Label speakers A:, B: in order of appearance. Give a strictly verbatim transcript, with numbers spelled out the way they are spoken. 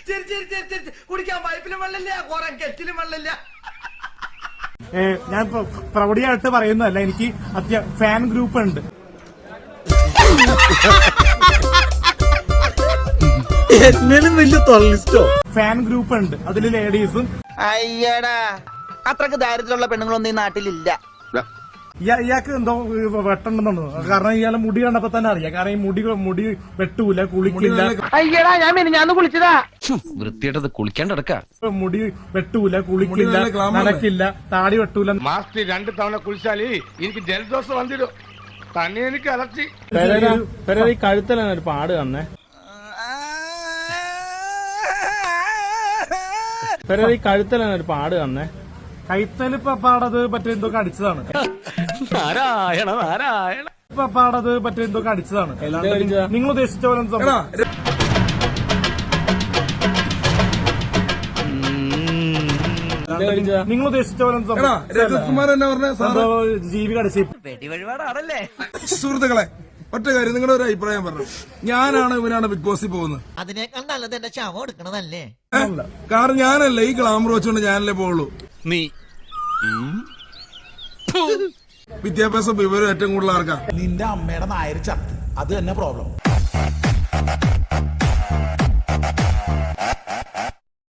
A: ശരി ശരി ശരി ശരി കുടിക്കാൻ പൈപ്പിലും വെള്ളമില്ല കുറെ കെറ്റിലും വെള്ളമില്ല.
B: ഞാൻ പ്രൗഢിയായിട്ട് പറയുന്നതല്ല, എനിക്ക് അത്യ ഫാൻ ഗ്രൂപ്പ് ഉണ്ട്.
C: വലിയ തൊള്ളിസ്റ്റോ
B: ഫാൻ ഗ്രൂപ്പ് ഉണ്ട്, അതില് ലേഡീസും.
D: അയ്യടാ, അത്രക്ക് ദാരിദ്ര്യമുള്ള പെണ്ണുങ്ങളൊന്നും ഈ നാട്ടിലില്ല.
B: ഇയാൾക്ക് എന്തോ വെട്ടണ്ടെന്നു, കാരണം ഇയാളെ മുടി കണ്ടപ്പോ തന്നെ അറിയാം. കാരണം ഈ മുടി മുടി വെട്ടൂല, കുളിക്കില്ല.
D: അയ്യടാ, ഞാൻ മിനിഞ്ഞാന്ന് കുളിച്ചതാ.
E: വൃത്തിയായിട്ടത് കുളിക്കാണ്ടടക്ക.
B: മുടി വെട്ടൂല, കുളിക്കില്ല, നനക്കില്ല, താടി വെട്ടൂല.
F: മാസത്തിൽ രണ്ട് തവണ കുളിച്ചാല് എനിക്ക് ജലദോഷം വന്നിടും. തന്നെ എനിക്ക് അലർച്ചി.
C: ഈ കഴുത്തലാണ് ഒരു പാട് തന്നെ. ഈ കഴുത്തലാണ് ഒരു പാട് തന്നെ.
B: കൈത്തല് പാടത് മറ്റേ എന്തൊക്കെ അടിച്ചതാണ്.
E: നാരായണ നാരായണ
B: പാടത് മറ്റേ എന്തൊക്കെ അടിച്ചതാണ്. നിങ്ങൾ ഉദ്ദേശിച്ച പോലെ നിങ്ങൾ ഉദ്ദേശിച്ച പോലെ ജീവി കടിച്ച്
D: വെടിവഴിപാടാണല്ലേ.
G: സുഹൃത്തുക്കളെ, ഒറ്റ കാര്യം, നിങ്ങളുടെ ഒരു അഭിപ്രായം പറഞ്ഞു. ഞാനാണ് ഇവനാണ് ബിഗ് ബോസിൽ പോകുന്നത്.
A: അതിനേക്കാൾ നല്ലത് എന്റെ ശവം എടുക്കണതല്ലേ.
G: കാരണം ഞാനല്ല ഈ ഗ്ലാമർ വെച്ചുകൊണ്ട് ഞാനല്ലേ പോകുള്ളൂ.
E: നീ
G: വിദ്യാഭ്യാസം വിവരം ഏറ്റവും കൂടുതൽ ആർക്കാ?
H: നിന്റെ അമ്മയുടെ നായർ ചത്ത്, അത് തന്നെ പ്രോബ്ലം.